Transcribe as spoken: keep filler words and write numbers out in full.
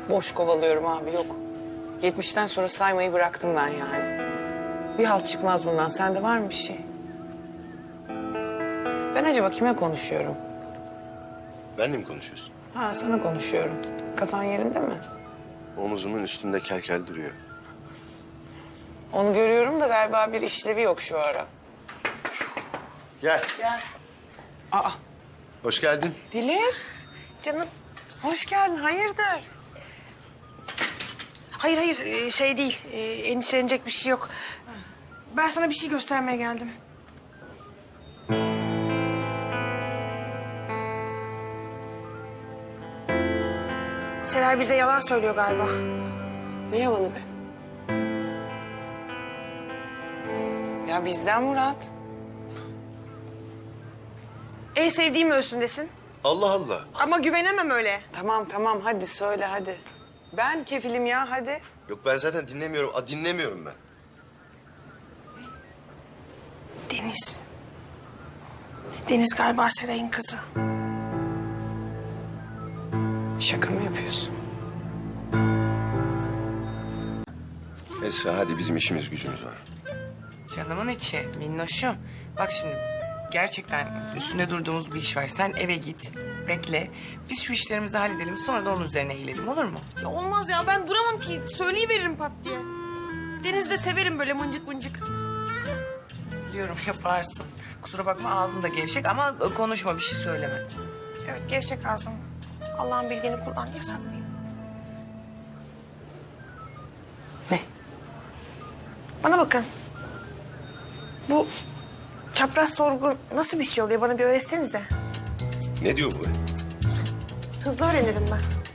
boş kovalıyorum abi, yok. Yetmişten sonra saymayı bıraktım ben yani. Bir halt çıkmaz bundan. Sende var mı bir şey? Ben acaba kime konuşuyorum? Benle mi konuşuyorsun? Ha, sana konuşuyorum. Kafan yerinde mi? Omuzumun üstünde kel duruyor. Onu görüyorum da galiba bir işlevi yok şu ara. Gel. Gel. Aa, Hoş geldin. Dilek. Canım, hoş geldin. Hayırdır? Hayır hayır e, şey değil. E, endişelenecek bir şey yok. Ben sana bir şey göstermeye geldim. Seray bize yalan söylüyor galiba. Ne yalanı be? Ya bizden Murat. En sevdiğim ölsündesin. Allah Allah. Ama güvenemem öyle. Tamam tamam, hadi söyle hadi. Ben kefilim ya, hadi. Yok ben zaten dinlemiyorum. A, dinlemiyorum ben. Deniz. Deniz galiba Seray'ın kızı. Şaka mı yapıyorsun? Esra hadi bizim işimiz gücümüz var. Canımın içi, minnoşum. Bak şimdi, gerçekten üstünde durduğumuz bir iş var. Sen eve git, bekle. Biz şu işlerimizi halledelim, sonra da onun üzerine eğilelim, olur mu? Ya olmaz ya ben duramam ki. Söyleyiveririm pat diye. Deniz de severim böyle mıncık mıncık. Biliyorum, yaparsın. Kusura bakma, ağzın da gevşek ama konuşma, bir şey söyleme. Evet gevşek ağzım. Allah'ın bildiğini kullan yasaklayayım. Ne? Bana bakın. Bu çapraz sorgu nasıl bir şey oluyor? Bana bir öğretsenize. Ne diyor bu be? Hızlı öğrenirim ben.